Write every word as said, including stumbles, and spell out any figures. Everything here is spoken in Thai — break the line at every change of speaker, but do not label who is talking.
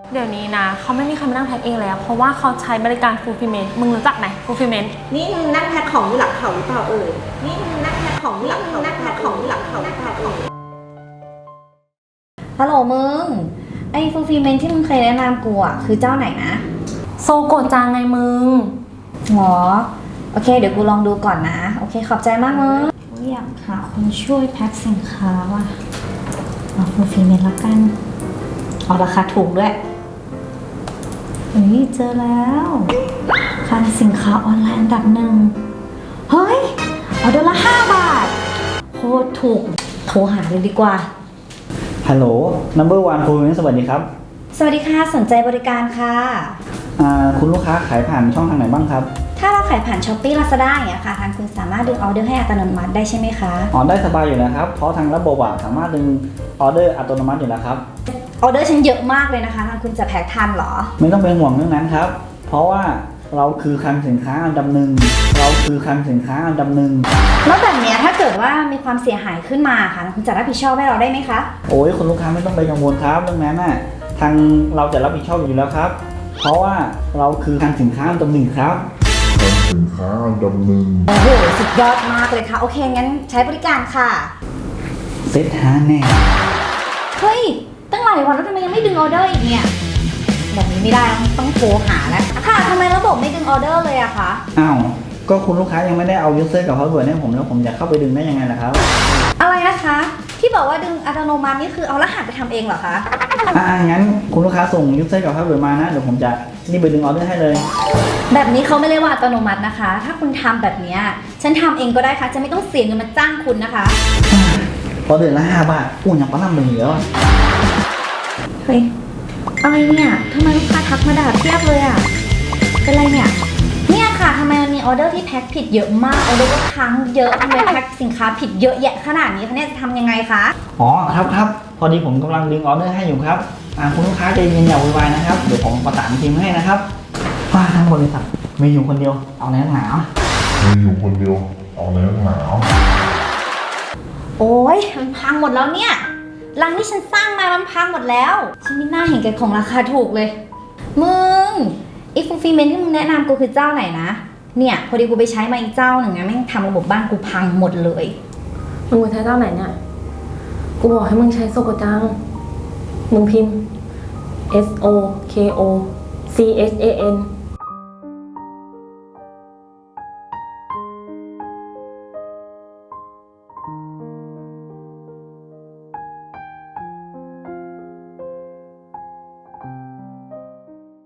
เดี๋ยวนี้นะเขาไม่มีใครมานั่งแพ็คเองแล้วเพราะว่าเขาใช้บริการ fulfillment มึงรู้จักไหม fulfillment
นี่มึงนั่งแพ็คของอยู่หลังเขาหรือเปล่าเอ่ยนี่มึงนั่งแพ็คของอยู่หลังเขานั่งแพ็คของอยู่หลังเขาหรือเปล่าเอ่ย
ฮัลโหลมึงไอ้ฟูลฟิลเมนที่มึงเคยแนะนำกูอ่ะคือเจ้าไหนนะ
โซโกะจังไงมึง
หรอโอเคเดี๋ยวกูลองดูก่อนนะโอเคขอบใจมากมึงอยากหาคนช่วยแพ็คสินค้าว่ะเอาฟูลฟิลเมนแล้วกันเอาราคาถูกด้วยเฮ้ยเจอแล้วคลังสินค้าออนไลน์อันดับหนึ่งเฮ้ยเอาเดือนละห้าบาทโคตรถูกโทรหาเลยดีกว่า
ฮัลโหล number one fulfillment สวัสดีครับ
สวัสดีค่ะสนใจบริการค่ะ
อ่าคุณลูกค้าขายผ่านช่องทางไหนบ้างครับ
ถ้าเราขายผ่าน Shopee Lazada อย่างเงี้ยค่ะทางคุณสามารถดึงออเดอร์ให้อัตโนมัติได้ใช่ไหมคะ
อ๋อได้สบายอยู่นะครับเพราะทางระบบอะสามารถดึงออเดอร์อัตโนมัติอยู่แล้วครับ
ออเดอร์ฉันเยอะมากเลยนะคะทางคุณจะแพ็คทันเหรอ
ไม่ต้องเป็นห่วงเรื่องนั้นครับเพราะว่าเราคือคลังสินค้าอันดับหนึ่งเราคือคลังสินค้าอันดับหนึ่ง
แล้วแบบนี้ถ้าเกิดว่ามีความเสียหายขึ้นมาค่ะคุณจะรับผิดชอบให้เราได้ไหมคะ
โอ้ยคุณลูกค้าไม่ต้องไปกังวลครับเรื่องนั้นน่ะทางเราจะรับผิดชอบอยู่แล้วครับเพราะว่าเราคือคลังสินค้าอันดับหนึ่งครับ
คลังสินค้าอันดับหนึ่ง
โอ้โหสุดยอดมากเลยค่ะโอเคงั้นใช้บริการค่ะ
เซ็ตหาแน่
เฮ้ยตั้งหลายวันแล้วทำไมยังไม่ดึงออเดอร์อีกเนี่ยแบบนี้ไม่ได้ต้องโทรหาแล้วค่ะทำไมระบบไม่ดึงออเดอร์เลยอะคะ
อ้าวก็คุณลูกค้ายังไม่ได้เอา user กับ password ให้ผมแล้วผมจะเข้าไปดึงได้ยังไงล่ะครับ
อะไรนะคะที่บอกว่าดึงอัตโนมัตินี่คือเอารหัสไปทำเองเหรอคะ
อ่างั้นคุณลูกค้าส่ง user กับ password มานะเดี๋ยวผมจะรีบไปดึงออเดอร์ให้เลย
แบบนี้เขาไม่เรียกว่าอัตโนมัตินะคะถ้าคุณทำแบบนี้ฉันทำเองก็ได้ค่ะจะไม่ต้องเสียเงินมาจ้างคุณนะคะ
พอเดือนละห้าบาทอู้ยังปั้นมือเหรอ
เฮ้ยอะไรเนี่ยทำไมลูกค้าทักมาด่าเทียบเลยอ่ะเป็นไรเนี่ยเนี่ยค่ะทำไมมันมีออเดอร์ที่แพ็คผิดเยอะมากออเดอร์ก็ค้างเยอะทำไมแพ็คสินค้าผิดเยอะแยะขนาดนี้คะเนี่ยจะทำยังไงคะ
อ๋อครับครับพอดีผมกำลังดึงออเดอร์ให้อยู่ครับอ่าคุณลูกค้าใจเย็นอย่าวุ่นวายนะครับเดี๋ยวผมประสานทีมให้นะครับว่าทั้งบริษัทมีอยู่คนเดียวเอาแน่หนาว
มีอยู่คนเดียวเอาแน่หนาว
โอ้ยมันพังหมดแล้วเนี่ยรังที่ฉันสร้างมามันพังหมดแล้วฉันไม่น่าเห็นแก่ของราคาถูกเลยมึงอีฟูลฟิลเมนต์ที่มึงแนะนำกูคือเจ้าไหนนะเนี่ยพอดีกูไปใช้มาอีกเจ้าหนึ่งนะแม่งทำระบบบ้านกูพังหมดเลย
มึงไปใช้เจ้าไหนเนี่ยกูบอกให้มึงใช้โซโกจังมึงพิมพ์ S O K O C H A N